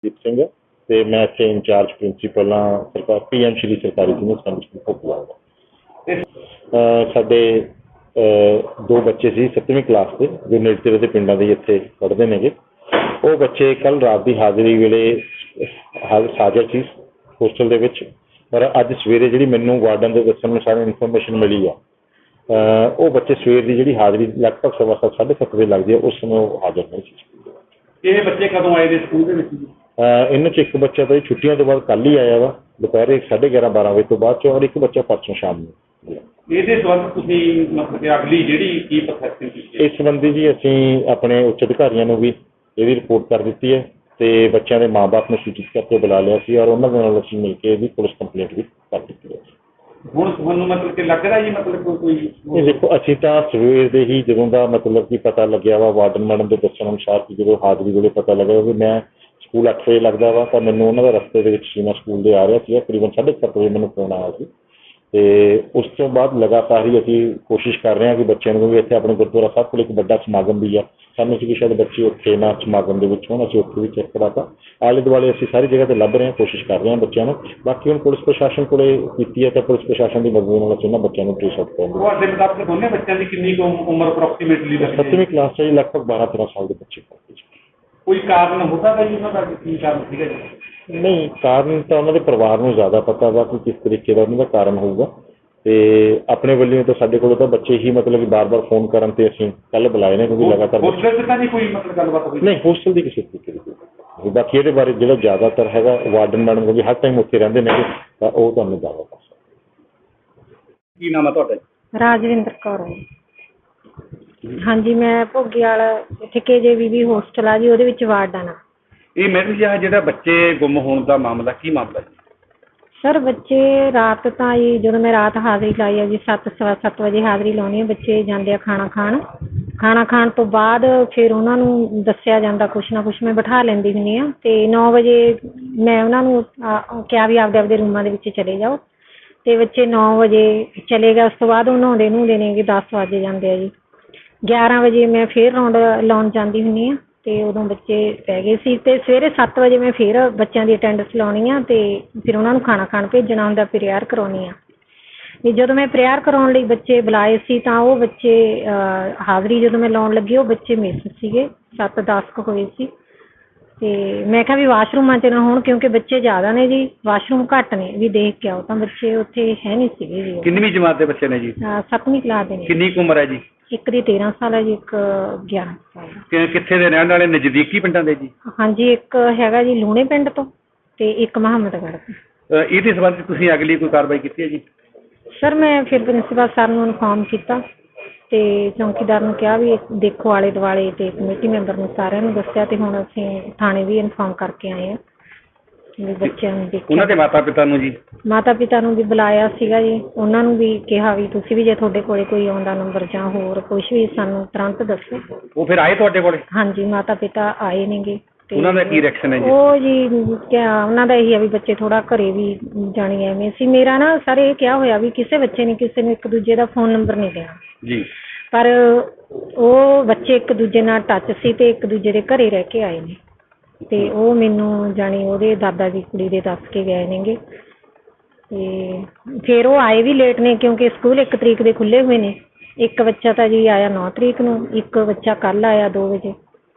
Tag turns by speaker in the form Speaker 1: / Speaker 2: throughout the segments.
Speaker 1: ਦੀਪ ਸਿੰਘ ਤੇ ਮੈਂ ਇੱਥੇ ਇੰਚਾਰਜ ਪ੍ਰਿੰਸੀਪਲ ਹਾਂ ਸਰਕਾਰ PM ਸ਼੍ਰੀ ਸਰਕਾਰੀ ਸੀਨੀਅਰ ਸੈਕੰਡਰੀ ਸਕੂਲ ਭੋਗਪੁਰਾ ਦਾ। ਸਾਡੇ ਦੋ ਬੱਚੇ ਸੀ 7ਵੀਂ ਕਲਾਸ ਦੇ ਜੋ ਨੇੜੇ ਤੇੜੇ ਦੇ ਪਿੰਡਾਂ ਦੇ ਇੱਥੇ ਪੜ੍ਹਦੇ ਨੇਗੇ। ਉਹ ਬੱਚੇ ਕੱਲ੍ਹ ਰਾਤ ਦੀ ਹਾਜ਼ਰੀ ਵੇਲੇ ਹਾਜ਼ਰ ਸੀ ਹੋਸਟਲ ਦੇ ਵਿੱਚ, ਪਰ ਅੱਜ ਸਵੇਰੇ ਜਿਹੜੀ ਮੈਨੂੰ ਵਾਰਡਨ ਦੇ ਦੱਸਣ ਅਨੁਸਾਰ ਇਨਫੋਰਮੇਸ਼ਨ ਮਿਲੀ ਆ, ਉਹ ਬੱਚੇ ਸਵੇਰ ਦੀ ਜਿਹੜੀ ਹਾਜ਼ਰੀ ਲਗਭਗ 7:15 7:30 ਵਜੇ ਲੱਗਦੀ ਹੈ, ਉਸ ਸਮੇਂ ਉਹ ਹਾਜ਼ਰ ਨਹੀਂ ਸੀ।
Speaker 2: ਇਹ ਬੱਚੇ ਕਦੋਂ ਆਏ ਨੇ ਸਕੂਲ ਦੇ ਵਿੱਚ ਜੀ?
Speaker 1: ਇਹਨਾਂ 'ਚ ਇੱਕ ਬੱਚਾ ਤਾਂ ਛੁੱਟੀਆਂ ਤੋਂ ਬਾਅਦ ਕੱਲ੍ਹ ਹੀ ਆਇਆ ਵਾ ਦੁਪਹਿਰੇ 11:30-12 ਵਜੇ ਤੋਂ ਬਾਅਦ 'ਚ, ਔਰ ਇੱਕ ਬੱਚਾ ਪਰਸੋਂ ਸ਼ਾਮ ਨੂੰ।
Speaker 2: ਇਹਦੇ ਸੰਬੰਧ ਤੁਸੀਂ ਮਤਲਬ ਕਿ ਅਗਲੀ ਜਿਹੜੀ ਕੀ ਪ੍ਰੋਸੈਸਿੰਗ ਕੀਤੀ?
Speaker 1: ਇਸ ਸੰਬੰਧੀ ਜੀ ਅਸੀਂ ਆਪਣੇ ਉੱਚ ਅਧਿਕਾਰੀਆਂ ਨੂੰ ਵੀ ਇਹਦੀ ਰਿਪੋਰਟ ਕਰ ਦਿੱਤੀ ਹੈ ਤੇ ਬੱਚਿਆਂ ਦੇ ਮਾਂ-ਬਾਪ ਨੂੰ ਸੂਚਿਤ ਕਰਕੇ ਬੁਲਾ ਲਿਆ ਸੀ, ਔਰ ਉਹਨਾਂ ਦੇ ਨਾਲ ਅਸੀਂ ਮਿਲ ਕੇ ਇਹਦੀ ਪੁਲਿਸ ਕੰਪਲੇਂਟ ਵੀ ਕਰ ਦਿੱਤੀ ਹੈ।
Speaker 2: ਹੁਣ ਤੁਹਾਨੂੰ ਮਤਲਬ ਕਿ ਲੱਗ ਰਿਹਾ ਜੀ ਮਤਲਬ ਕੋਈ
Speaker 1: ਇਹ ਦੇਖੋ, ਅਸੀਂ ਤਾਂ ਸਵੇਰ ਦੇ ਹੀ ਜਦੋਂ ਦਾ ਮਤਲਬ ਕਿ ਪਤਾ ਲੱਗਿਆ ਵਾ ਵਾਰਡਨ ਮੈਡਮ ਦੇ ਦੱਸਣ ਅਨੁਸਾਰ ਕਿ ਜਦੋਂ ਹਾਜ਼ਰੀ ਵੇਲੇ ਪਤਾ ਲੱਗਿਆ ਵੀ ਮੈਂ ਸਕੂਲ 8 ਵਜੇ ਲੱਗਦਾ ਵਾ, ਤਾਂ ਮੈਨੂੰ ਉਹਨਾਂ ਦਾ ਰਸਤੇ ਦੇ ਵਿੱਚ ਸੀ, ਮੈਂ ਸਕੂਲ ਦੇ ਆ ਰਿਹਾ ਸੀ, ਤਕਰੀਬਨ 7:30 ਵਜੇ ਮੈਨੂੰ ਫੋਨ ਆਇਆ ਸੀ। ਤੇ ਉਸ ਤੋਂ ਬਾਅਦ ਲਗਾਤਾਰ ਹੀ ਅਸੀਂ ਕੋਸ਼ਿਸ਼ ਕਰ ਰਹੇ ਹਾਂ ਕਿ ਬੱਚਿਆਂ ਨੂੰ, ਇੱਥੇ ਆਪਣੇ ਗੁਰਦੁਆਰਾ ਸਾਹਿਬ ਕੋਲ ਇੱਕ ਵੱਡਾ ਸਮਾਗਮ ਵੀ ਆ, ਸਾਨੂੰ ਸੀ ਕਿ ਸ਼ਾਇਦ ਬੱਚੇ ਉੱਥੇ ਨਾ ਸਮਾਗਮ ਦੇ ਵਿੱਚ ਹੋਣ, ਅਸੀਂ ਉੱਥੇ ਵੀ ਚੈੱਕ ਕਰਾਤਾ। ਆਲੇ ਦੁਆਲੇ ਅਸੀਂ ਸਾਰੀ ਜਗ੍ਹਾ ਤੇ ਲੱਭ ਰਹੇ ਹਾਂ, ਕੋਸ਼ਿਸ਼ ਕਰ ਰਹੇ ਹਾਂ ਬੱਚਿਆਂ ਨੂੰ। ਬਾਕੀ ਹੁਣ ਪੁਲਿਸ ਪ੍ਰਸ਼ਾਸਨ ਕੋਲੇ ਕੀਤੀ ਹੈ ਤਾਂ ਪੁਲਿਸ ਪ੍ਰਸ਼ਾਸਨ ਦੀ ਮਦਦ ਨਾਲ ਅਸੀਂ ਉਹਨਾਂ ਬੱਚਿਆਂ ਨੂੰ ਟ੍ਰੇਸ ਆਊਟ ਕਰਾਂਗੇ।
Speaker 2: ਤੁਹਾਡੇ ਮੁਤਾਬਕ ਦੋਨੇ ਬੱਚਿਆਂ ਦੀ ਕਿੰਨੀ ਕੁ ਉਮਰ ਅਪਰੋਕਸੀਮੇਟਲੀ ਲੱਗਦੀ ਹੈ?
Speaker 1: 7ਵੀਂ ਕਲਾਸ 'ਚ ਲਗਭਗ 12-13 ਸਾਲ ਦੇ ਬੱਚੇ।
Speaker 2: ਕੋਈ ਕਾਰਨ ਹੁੰਦਾ ਤਾਂ ਜੀ ਉਹਨਾਂ ਦਾ ਕੀ ਕਾਰਨ ਸੀਗਾ ਜੀ?
Speaker 1: ਨਹੀਂ, ਕਾਰਨ ਤਾਂ ਉਹਨਾਂ ਦੇ ਪਰਿਵਾਰ ਨੂੰ ਜ਼ਿਆਦਾ ਪਤਾ ਵਾ ਕਿ ਕਿਸ ਤਰੀਕੇ ਦਾ ਉਹਨਾਂ ਦਾ ਕਾਰਨ ਹੋਊਗਾ। ਤੇ ਆਪਣੇ ਵੱਲੋਂ ਤਾਂ ਸਾਡੇ ਕੋਲ ਤਾਂ ਬੱਚੇ ਹੀ ਮਤਲਬ ਕਿ ਬਾਰ-ਬਾਰ ਫੋਨ ਕਰਨ ਤੇ ਅਸੀਂ ਕੱਲ੍ਹ ਬੁਲਾਏ ਨੇ, ਕਿਉਂਕਿ ਲਗਾਤਾਰ
Speaker 2: ਹੋਸਟਲ 'ਚ ਤਾਂ ਨਹੀਂ ਕੋਈ ਮਤਲਬ ਗੱਲਬਾਤ ਹੋਈ?
Speaker 1: ਨਹੀਂ, ਹੋਸਟਲ ਦੀ ਕਿਸੇ ਤਰੀਕੇ ਦੀ। ਬਾਕੀ ਇਹਦੇ ਬਾਰੇ ਜਿਹੜਾ ਜ਼ਿਆਦਾਤਰ ਹੈਗਾ ਵਾਰਡਨ ਮੈਡਮ ਕਿਉਂਕਿ ਹਰ ਟਾਈਮ ਉੱਥੇ ਰਹਿੰਦੇ ਨੇ, ਤਾਂ ਉਹ ਤੁਹਾਨੂੰ ਜ਼ਿਆਦਾ ਦੱਸ ਸਕਦੇ।
Speaker 2: ਕੀ ਨਾਮ ਹੈ ਤੁਹਾਡਾ?
Speaker 3: ਰਾਜਵਿੰਦਰ ਕੌਰ। ਹਾਂਜੀ, ਮੈਂ ਭੋਗੀਵਾਲ ਇੱਥੇ KJVB ਹੋਸਟਲ ਆ ਜੀ, ਉਹਦੇ ਵਿੱਚ ਵਾਰਡਨ ਆ।
Speaker 2: ਇਹ ਮੈਡਮ ਜੀ ਜਿਹੜਾ ਬੱਚੇ ਗੁੰਮ ਹੋਣ ਦਾ ਮਾਮਲਾ, ਕੀ ਮਾਮਲਾ ਜੀ?
Speaker 3: ਸਰ ਬੱਚੇ ਰਾਤ ਤਾਂ ਜੀ, ਜਦੋਂ ਮੈਂ ਰਾਤ ਹਾਜ਼ਰੀ ਲਾਈ ਆ ਜੀ, 7 ਵਜੇ ਹਾਜ਼ਰੀ ਲਾਉਣੀ ਹੈ। ਬੱਚੇ ਜਾਂਦੇ ਆ ਖਾਣਾ ਖਾਣ ਤੋਂ ਬਾਅਦ ਫਿਰ ਉਹਨਾਂ ਨੂੰ ਦੱਸਿਆ ਜਾਂਦਾ ਕੁਛ ਨਾ ਕੁਛ, ਮੈਂ ਬਿਠਾ ਲੈਂਦੀ ਹੁੰਦੀ ਹਾਂ। ਅਤੇ 9 ਵਜੇ ਮੈਂ ਉਹਨਾਂ ਨੂੰ ਕਿਹਾ ਵੀ ਆਪਦੇ ਰੂਮਾਂ ਦੇ ਵਿੱਚ ਚਲੇ ਜਾਓ, ਅਤੇ ਬੱਚੇ 9 ਵਜੇ ਚਲੇ ਗਏ। ਉਸ ਤੋਂ ਬਾਅਦ ਉਹ ਨਹਾਉਂਦੇ ਨੇ ਕਿ 10 ਵਜ ਜਾਂਦੇ ਆ ਜੀ। 11 ਵਜੇ ਮੈਂ ਫਿਰ ਰਾਊਂਡ ਲਾਉਣ ਜਾਂਦੀ ਹੁੰਦੀ ਹਾਂ, ਅਤੇ ਉਦੋਂ ਬੱਚੇ ਪੈ ਗਏ ਸੀ। ਅਤੇ ਸਵੇਰੇ 7 ਵਜੇ ਮੈਂ ਫਿਰ ਬੱਚਿਆਂ ਦੀ ਅਟੈਂਡੈਂਸ ਲਾਉਣੀ ਆ, ਅਤੇ ਫਿਰ ਉਹਨਾਂ ਨੂੰ ਖਾਣਾ ਖਾਣ ਭੇਜਣਾ ਹੁੰਦਾ, ਪ੍ਰੇਅਰ ਕਰਾਉਣੀ ਆ। ਵੀ ਜਦੋਂ ਮੈਂ ਪ੍ਰੇਅਰ ਕਰਾਉਣ ਲਈ ਬੱਚੇ ਬੁਲਾਏ ਸੀ, ਤਾਂ ਉਹ ਬੱਚੇ ਹਾਜ਼ਰੀ ਜਦੋਂ ਮੈਂ ਲਾਉਣ ਲੱਗੀ, ਉਹ ਬੱਚੇ ਮਿਸ ਸੀਗੇ, 7-10 ਕੁ ਹੋਏ ਸੀ। ਅਤੇ ਮੈਂ ਕਿਹਾ ਵੀ ਵਾਸ਼ਰੂਮਾਂ 'ਚ ਨਾ ਹੋਣ, ਕਿਉਂਕਿ ਬੱਚੇ ਜ਼ਿਆਦਾ ਨੇ ਜੀ, ਵਾਸ਼ਰੂਮ ਘੱਟ ਨੇ, ਵੀ ਦੇਖ ਕੇ ਆਓ। ਤਾਂ ਬੱਚੇ ਉੱਥੇ ਹੈ ਨਹੀਂ ਸੀਗੇ ਜੀ।
Speaker 2: ਕਿੰਨਵੀਂ ਜਮਾਤ ਦੇ ਬੱਚੇ ਨੇ ਜੀ?
Speaker 3: 7ਵੀਂ ਕਲਾਸ ਦੇ ਨੇ।
Speaker 2: ਕਿੰਨੀ ਕੁ ਉਮਰ ਹੈ ਜੀ?
Speaker 3: ਇੱਕ ਦੀ 13 ਸਾਲ ਹੈ ਜੀ, ਇੱਕ 11 ਸਾਲ।
Speaker 2: ਕਿੱਥੇ ਦੇ ਰਹਿਣ ਵਾਲੇ? ਨਜ਼ਦੀਕੀ ਪਿੰਡਾਂ ਦੇ ਜੀ?
Speaker 3: ਹਾਂਜੀ, ਇੱਕ ਹੈਗਾ ਜੀ ਲੂਣੇ ਪਿੰਡ ਤੋਂ, ਅਤੇ ਇੱਕ ਮੁਹੰਮਦਗੜ੍ਹ ਤੋਂ।
Speaker 2: ਇਹਦੇ ਸੰਬੰਧ 'ਚ ਤੁਸੀਂ ਅਗਲੀ ਕੋਈ ਕਾਰਵਾਈ ਕੀਤੀ ਹੈ ਜੀ?
Speaker 3: ਸਰ ਮੈਂ ਫਿਰ ਪ੍ਰਿੰਸੀਪਲ ਸਰ ਨੂੰ ਇਨਫੋਰਮ ਕੀਤਾ, ਅਤੇ ਚੌਂਕੀਦਾਰ ਨੂੰ ਕਿਹਾ ਵੀ ਦੇਖੋ ਆਲੇ ਦੁਆਲੇ, ਅਤੇ ਕਮੇਟੀ ਮੈਂਬਰ ਨੂੰ ਸਾਰਿਆਂ ਨੂੰ ਦੱਸਿਆ, ਅਤੇ ਹੁਣ ਅਸੀਂ ਥਾਣੇ ਵੀ ਇਨਫੋਰਮ ਕਰਕੇ ਆਏ ਹਾਂ ਵੀ ਬੱਚਿਆਂ ਨੂੰ ਦੇਖਿਆ।
Speaker 2: ਉਹਨਾਂ ਦੇ ਮਾਤਾ ਪਿਤਾ ਨੂੰ ਜੀ? ਮਾਤਾ
Speaker 3: ਪਿਤਾ ਨੂੰ ਵੀ ਬੁਲਾਇਆ ਸੀਗਾ ਜੀ, ਉਹਨਾਂ ਨੂੰ ਵੀ ਕਿਹਾ ਵੀ ਤੁਸੀਂ ਵੀ ਜੇ ਤੁਹਾਡੇ ਕੋਲੇ ਕੋਈ ਆਉਂਦਾ ਨੰਬਰ ਜਾਂ ਹੋਰ ਕੁਛ ਵੀ ਸਾਨੂੰ ਤੁਰੰਤ ਦੱਸੋ।
Speaker 2: ਉਹ ਫਿਰ ਆਏ ਤੁਹਾਡੇ ਕੋਲੇ?
Speaker 3: ਹਾਂਜੀ, ਮਾਤਾ ਪਿਤਾ ਆਏ ਨੇਗੇ।
Speaker 2: ਉਹਨਾਂ ਦਾ ਕੀ ਰਿਐਕਸ਼ਨ ਹੈ ਜੀ?
Speaker 3: ਉਹ ਜੀ ਕਿਆ ਉਹਨਾਂ ਦਾ ਇਹੀ ਆ ਵੀ ਬੱਚੇ ਥੋੜ੍ਹਾ ਘਰੇ ਵੀ ਜਾਣੀ ਐਵੇਂ ਸੀ। ਮੇਰਾ ਨਾ ਸਰ ਇਹ ਕਿਹਾ ਹੋਇਆ ਵੀ ਕਿਸੇ ਬੱਚੇ ਨੇ ਕਿਸੇ ਨੂੰ ਇੱਕ ਦੂਜੇ ਦਾ ਫੋਨ ਨੰਬਰ ਨਹੀਂ ਦੇਣਾ
Speaker 2: ਜੀ,
Speaker 3: ਪਰ ਉਹ ਬੱਚੇ ਇੱਕ ਦੂਜੇ ਨਾਲ ਟੱਚ ਸੀ ਅਤੇ ਇੱਕ ਦੂਜੇ ਦੇ ਘਰੇ ਰਹਿ ਕੇ ਆਏ ਨੇ, ਅਤੇ ਉਹ ਮੈਨੂੰ ਜਾਣੀ ਉਹਦੇ ਦਾਦਾ ਦੀ ਕੁੜੀ ਦੇ ਦੱਸ ਕੇ ਗਏ ਨੇਗੇ। ਅਤੇ ਫਿਰ ਉਹ ਆਏ ਵੀ ਲੇਟ ਨੇ, ਕਿਉਂਕਿ ਸਕੂਲ 1 ਤਰੀਕ ਦੇ ਖੁੱਲ੍ਹੇ ਹੋਏ ਨੇ। ਇੱਕ ਬੱਚਾ ਤਾਂ ਜੀ ਆਇਆ 9 ਤਰੀਕ ਨੂੰ, ਇੱਕ ਬੱਚਾ ਕੱਲ੍ਹ ਆਇਆ 2 ਵਜੇ।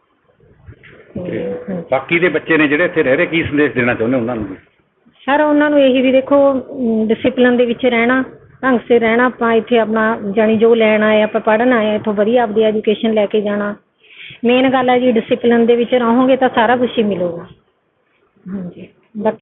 Speaker 2: ਬਾਕੀ ਦੇ ਬੱਚੇ ਨੇ ਜਿਹੜੇ ਇੱਥੇ ਰਹਿ ਰਹੇ, ਕੀ ਸੰਦੇਸ਼ ਦੇਣਾ ਚਾਹੁੰਦੇ ਉਹਨਾਂ ਨੂੰ?
Speaker 3: ਸਰ ਉਹਨਾਂ ਨੂੰ ਇਹੀ ਵੀ ਦੇਖੋ, ਡਿਸਿਪਲਨ ਦੇ ਵਿੱਚ ਰਹਿਣਾ, ਢੰਗ ਸਿਰ ਰਹਿਣਾ। ਆਪਾਂ ਇੱਥੇ ਆਪਣਾ ਜਾਣੀ ਜੋ ਲੈਣ ਆਏ, ਆਪਾਂ ਪੜ੍ਹਨ ਆਏ, ਇੱਥੋਂ ਵਧੀਆ ਆਪਦੀ ਐਜੂਕੇਸ਼ਨ ਲੈ ਕੇ ਜਾਣਾ। ਮੇਨ ਗੱਲ ਹੈ ਜੀ, ਡਿਸਿਪਲਨ ਦੇ ਵਿੱਚ ਰਹੋਗੇ ਤਾਂ ਸਾਰਾ ਕੁਛ ਹੀ ਮਿਲੂਗਾ। ਹਾਂਜੀ, ਬਾਕੀ